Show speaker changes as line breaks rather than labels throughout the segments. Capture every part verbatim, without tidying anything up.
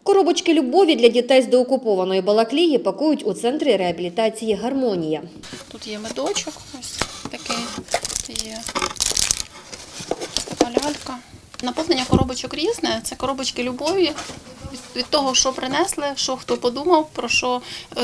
Коробочки любові для дітей з деокупованої Балаклії пакують у центрі реабілітації «Гармонія».
Тут є медочок, ось такий є, така лялька. Наповнення коробочок різне, це коробочки любові. Від того, що принесли, що хто подумав, про що,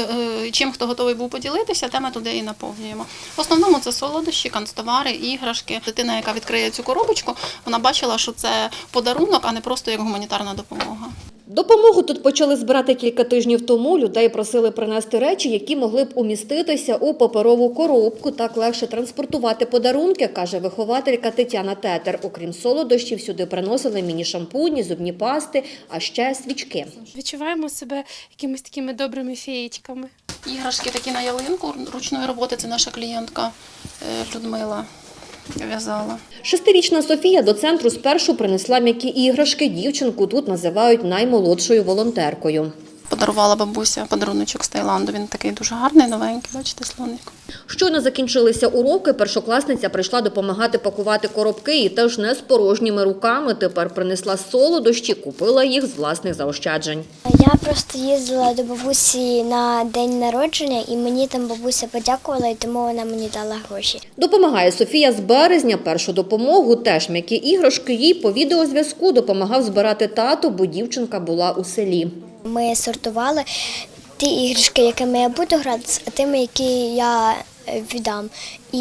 чим хто готовий був поділитися, те ми туди і наповнюємо. В основному це солодощі, канцтовари, іграшки. Дитина, яка відкриє цю коробочку, вона бачила, що це подарунок, а не просто як гуманітарна допомога.
Допомогу тут почали збирати кілька тижнів тому. Людей просили принести речі, які могли б уміститися у паперову коробку. Так легше транспортувати подарунки, каже вихователька Тетяна Тетер. Окрім солодощів, сюди приносили міні-шампуні, зубні пасти, а ще свічки.
Відчуваємо себе якимись такими добрими феєчками.
Іграшки такі на ялинку ручної роботи, це наша клієнтка Людмила в'язала.
Шестирічна Софія до центру спершу принесла м'які іграшки. Дівчинку тут називають наймолодшою волонтеркою.
Подарувала бабуся подаруночок з Таїланду. Він такий дуже гарний, новенький, бачите, слоник.
Щойно закінчилися уроки, першокласниця прийшла допомагати пакувати коробки і теж не з порожніми руками. Тепер принесла солодощі, купила їх з власних заощаджень.
Я просто їздила до бабусі на день народження і мені там бабуся подякувала, і тому вона мені дала гроші.
Допомагає Софія з березня. Першу допомогу, теж м'які іграшки, їй по відеозв'язку допомагав збирати тато, бо дівчинка була у селі.
Ми сортували ті іграшки, якими я буду грати, а тими, які я віддам.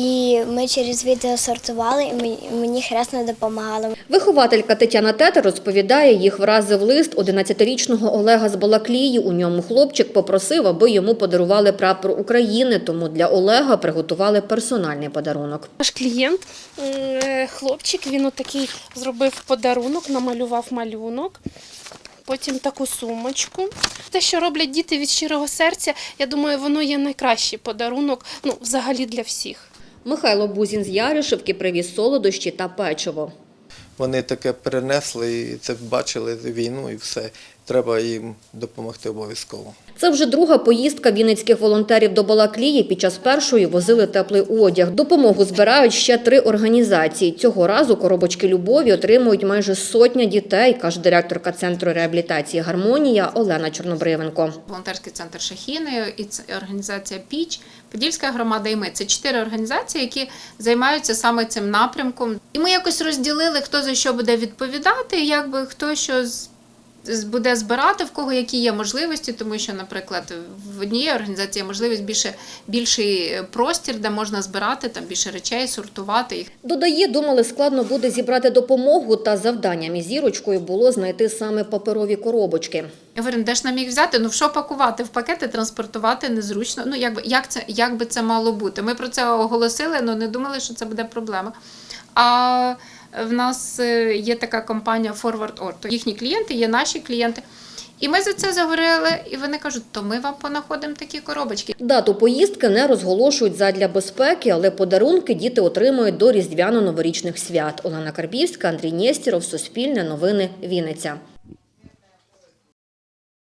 І ми через відео сортували, і мені хресно допомагали.
Вихователька Тетяна Тетер розповідає, їх вразив лист одинадцятирічного Олега з Балаклії. У ньому хлопчик попросив, аби йому подарували прапор України, тому для Олега приготували персональний подарунок.
Наш клієнт, хлопчик, він отакий зробив подарунок, намалював малюнок. Потім таку сумочку. Те, що роблять діти від щирого серця, я думаю, воно є найкращий подарунок, ну, взагалі для всіх.
Михайло Бузін з Яришівки привіз солодощі та печиво.
Вони таке перенесли, і це бачили війну і все. Треба їм допомогти обов'язково.
Це вже друга поїздка вінницьких волонтерів до Балаклії. Під час першої возили теплий одяг. Допомогу збирають ще три організації. Цього разу коробочки любові отримують майже сотня дітей, каже директорка Центру реабілітації «Гармонія» Олена Чорнобривенко.
Волонтерський центр «Шахіни» і організація «Піч», Подільська громада і ми. Це чотири організації, які займаються саме цим напрямком. І ми якось розділили, хто за що буде відповідати, якби хто що буде збирати, в кого які є можливості, тому що, наприклад, в одній організації є можливість більше, більший простір, де можна збирати там більше речей, сортувати їх.
Додає, думали, складно буде зібрати допомогу, та завданням із Зірочкою було знайти саме паперові коробочки.
Я говорю, де ж нам їх взяти? Ну, в що пакувати? В пакети транспортувати незручно. Ну, як, як, це, як би це мало бути? Ми про це оголосили, але не думали, що це буде проблема. А в нас є така компанія Forward Orto. Їхні клієнти є наші клієнти. І ми за це заговорили, і вони кажуть, то ми вам понаходимо такі коробочки.
Дату поїздки не розголошують задля безпеки, але подарунки діти отримують до різдвяно-новорічних свят. Олена Карбівська, Андрій Нєстєров, Суспільне новини, Вінниця.